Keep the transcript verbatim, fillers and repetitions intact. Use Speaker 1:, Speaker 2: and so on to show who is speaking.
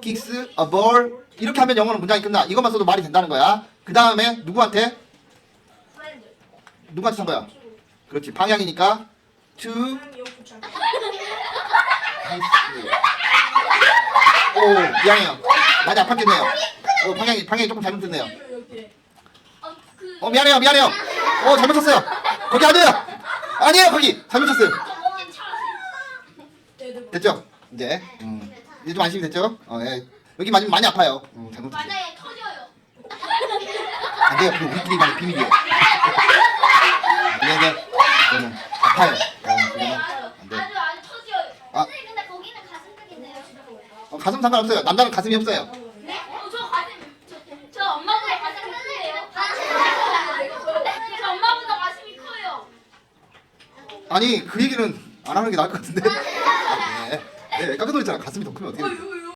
Speaker 1: kicks a ball. 이렇게 하면 영어는 문장이 끝나. 이것만 써도 말이 된다는 거야. 그 다음에 누구한테? 누구한테 산 거야? 그렇지. 방향이니까 to 오 미안해요. 많이 아팠겠네요. 어, 방향이 방향이 조금 잘못됐네요. 어 미안해요 미안해요. 어 잘못 쳤어요. 거기 아니에요. 아니에요 거기 잘못 쳤어요. 됐죠? 이제 음, 이제 좀 안심이 됐죠? 어, 예. 여기 맞으면 많이 아파요. 음, 잘못 쳤어요.
Speaker 2: 맞아요, 터져요.
Speaker 1: 안 돼요. 그거 우리끼리 만의 비밀이에요. 그냥 이제 그거는 아파요. 어, 그거는 안 돼.
Speaker 2: 아주 아주 터져요.
Speaker 1: 아.
Speaker 2: 선생님 근데 거기는 가슴 쪽인데요.
Speaker 1: 어, 가슴 상관없어요. 남자는 가슴이 없어요.
Speaker 2: 네? 어, 저 가슴 저, 저 엄마보다 가슴이 크세요. 저 엄마보다 가슴이 커요.
Speaker 1: 아니 그 얘기는 안 하는 게 나을 것 같은데. 네, 네 깜짝 놀랐잖아. 가슴이 더 크면 어떻게 돼?